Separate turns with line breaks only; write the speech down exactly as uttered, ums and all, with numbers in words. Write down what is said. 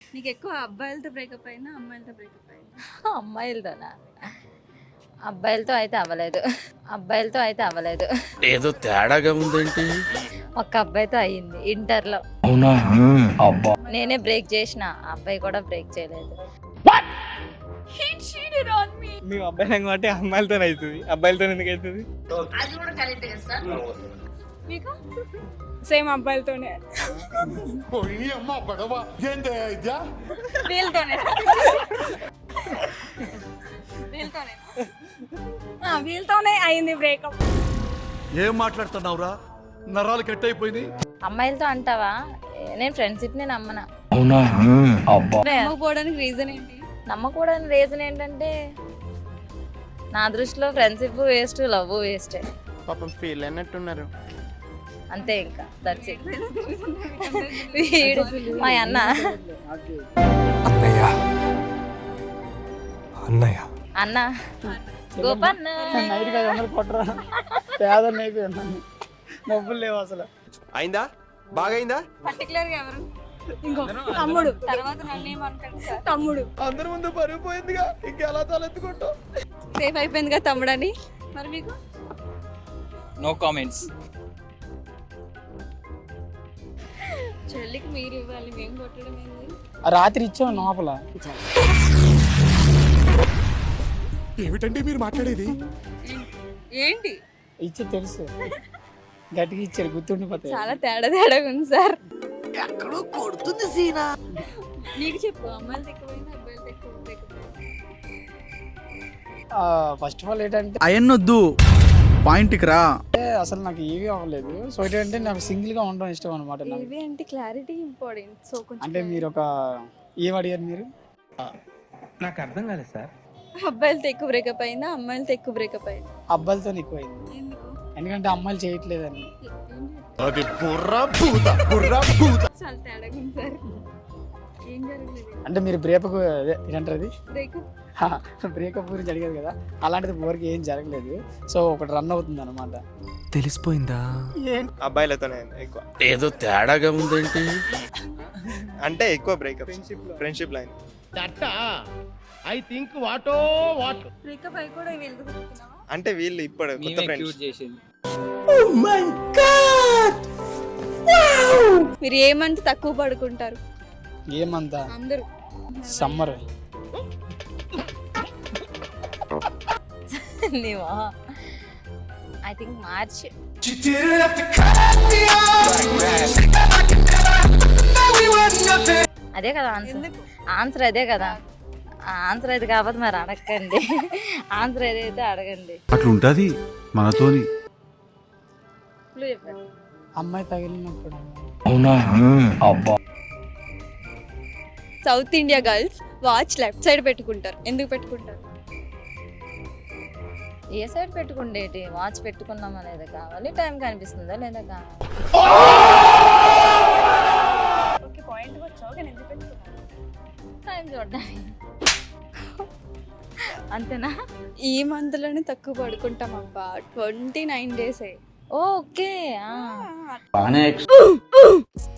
నీకు ఎక్కువ అబ్బాయిలతో బ్రేకప్ అయినా అమ్మాయిలతో బ్రేకప్ అయినా?
అమ్మాయిలతోనా? అబ్బాయిలతో అయితే అవ్వలేదు. అబ్బాయిలతో అయితే అవ్వలేదు.
ఏదో తేడాగా ఉందేంటి?
ఒక్క అబ్బాయితో అయ్యింది ఇంటర్లో.
అవునా? అబ్బా.
నేనే బ్రేక్ చేసిన, ఆ అబ్బాయి కూడా బ్రేక్ చేయలేదు.
He cheated on me.
మేము అబ్బాయిలం కాబట్టి అమ్మాయిలతో అవుతుంది, అబ్బాయిలతో ఎందుకు అవుతుంది?
మీకు
సేమ్ అబ్బాయిలతోనే.
వీళ్ళతోనే వీళ్ళతోనే
ఆ, వీళ్ళతోనే అయింది బ్రేకప్.
ఏం మాట్లాడుతున్నావురా? నరాలు కట్ అయిపోయింది.
అమ్మాయిలతో అంటావా? ఏ, నేను ఫ్రెండ్షిప్ ని నమ్మనా.
అవునా? అబ్బా.
పోవడానికి రీజన్ ఏంటి?
నమ్మకూడని రీజన్ ఏంటంటే నా దృష్టిలో ఫ్రెండ్షిప్ వేస్ట్, లవ్ వేస్ట్.
పాపం ఫీల్ అయినట్టున్నారు.
అంతే, ఇంకా దట్స్ ఇట్. వీడు మా అన్న.
అన్నయ్య అన్నయ్య
అన్న గోపన్న.
నైట్కి ఐదు వందలు కొట్టరా, పేదలు అయిపోయాను, డబ్బులు లేవు అసలు.
అయిందా? బాగా అయిందా?
పర్టికులర్ గా ఎవరు?
ఇంకో తమ్ముడు.
తర్వాత నన్ను ఏమనుకోండి సార్.
తమ్ముడు
అందరి ముందు పరుగు పోయిందిగా, ఇంకెలా తలెత్తుకుంటావు?
సేఫ్ అయిపోయింది కదా తమ్ముడని. మరి మీకు
నో కామెంట్స్.
చెల్లికి మీరు ఇవ్వాలి, మేము కొట్టడం ఏంది?
రాత్రి ఇచ్చాం లోపల.
ఏమిటండి మీరు మాట్లాడేది?
ఏంటి?
ఇచ్చి తెలుసు, గట్టిగా ఇచ్చారు, గుర్తుండిపోతాయి.
చాలా తేడా తేడాగా ఉంది సార్.
ఎక్కడో కొడుతుంది సీనా.
నీకు చెప్పు, అమ్మాయిలు ఎక్కువైనా అబ్బాయిలు ఎక్కువ బ్రేకప్?
ఫస్ట్ ఆఫ్ ఆల్ ఏంటంటే
అయన్నొద్దు, పాయింట్కి రా.
అసలు నాకు ఏవి అవ్వలేదు. సో ఏంటంటే నాకు సింగిల్ గా ఉండడం ఇష్టం అనమాట.
ఏవి అంటే క్లారిటీ ఇంపార్టెంట్. సో కొంచెం
అంటే మీరు ఒక ఏం అడిగారు మీరు?
నాకు అర్థం కాలేదు సార్.
అబ్బాయిలతో ఎక్కువ బ్రేకప్ అయినా అమ్మాయిలతో ఎక్కువ బ్రేకప్ అయినా?
అబ్బాయిలతో ఎక్కువైంది,
ఎందుకు?
ఎందుకంటే అమ్మాయిలు చేయట్లేదని.
అది బుర్రా భూత, బుర్రా భూత.
చాలా తేడాగా ఉంది సార్. ఏం జరగలేదు.
అంటే మీరు బ్రేకప్ ఏంటంటారు అది,
బ్రేకప్
బ్రేకప్ గురించి అడిగారు కదా, అలాంటిది ఊరికి ఏం జరగలేదు. సో ఒకటి రన్ అవుతుంది అనమాట.
తెలిసిపోయిందా?
అబ్బాయిలతోనే ఎక్కువ.
ఏదో తేడాగా ఉందేంటి?
అంటే ఎక్కువ బ్రేకప్ ఫ్రెండ్షిప్ లైన్.
బ్రేకప్ అయి కూడా వీళ్ళతో తిరుగుతున్నావా?
అంటే వీళ్ళు ఇప్పుడు కొత్త ఫ్రెండ్స్.
మీరు ఏమంటే తక్కువ పడుకుంటారు
ఏమంతా
అందరూ?
సమ్మర్.
నీవా? I think March. అదే కదా ఆన్సర్.
ఎందుకు?
ఆన్సర్ అదే కదా. ఆన్సర్ అది కాకపోతే మరి అడగండి. ఆన్సర్ ఏదైతే అడగండి.
అట్లుంటది మనతోని.
క్లూ చెప్పండి.
అమ్మాయి తగిలినప్పుడు.
అవునా? అబ్బా.
South India girls watch left side పెట్టుకుంటారు. ఎందుకు పెట్టుకుంటారు?
ఏ సైడ్ పెట్టుకుండేటి? వాచ్ పెట్టుకున్నాం అనేది కావాలి, టైం కనిపిస్తుందా లేదా కావాలి.
ఓకే, పాయింట్ వచ్చావు కానీ ఎందుకు పెట్టుకున్నావు?
టైం చూడడానికి. అంతేనా?
ఈ మంత్ లోనే తక్కువ పడుకుంటాం అబ్బా. Twenty nine days
okay.
బానే